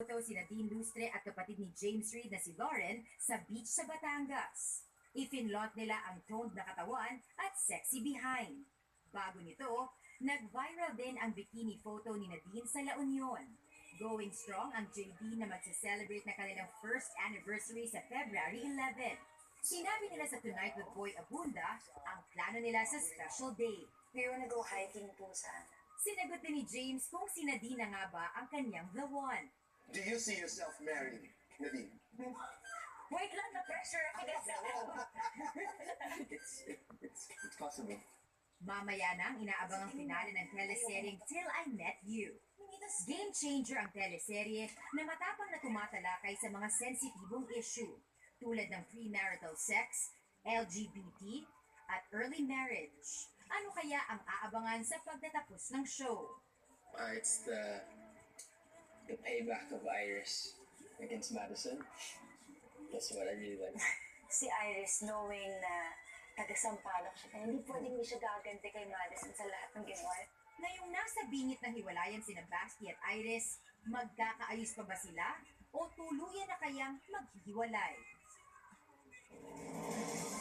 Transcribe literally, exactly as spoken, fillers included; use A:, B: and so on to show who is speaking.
A: photo si Nadine Lustre at kapatid ni James Reid na si Lauren sa beach sa Batangas. Ifinlot nila ang toned na katawan at sexy behind. Bago nito, nag-viral din ang bikini photo ni Nadine sa La Union. Going strong ang J D na magse-celebrate na kanilang first anniversary sa February eleventh. Sinabi nila sa Tonight with Boy Abunda ang plano nila sa special day.
B: We wanna go hiking po sana.
A: Sinagot din ni James kung si Nadine na nga ba ang kanyang the one.
C: Do you see yourself married, Nadine?
B: Wait lang, na-pressure ako kasi.
C: It's, it, it's, it's possible.
A: Mamaya na ang inaabangang finale ng teleseryeng Till I Met You. Game changer ang teleserye na matapang na tumatalakay sa mga sensitibong issue tulad ng premarital sex, L G B T, at early marriage. Ano kaya ang aabangan sa pagtatapos ng show?
D: Uh, it's the the payback of Iris against Madison. That's what I really like.
B: Si Iris knowing na taga-sampalok siya, kaya hindi pwedeng hindi siya gaganti kay Madison sa lahat ng ginawa.
A: Ngayong nasa bingit ng hiwalayan sina Basti at Iris, magkakaayos pa ba sila o tuluyan na kayang maghihiwalay?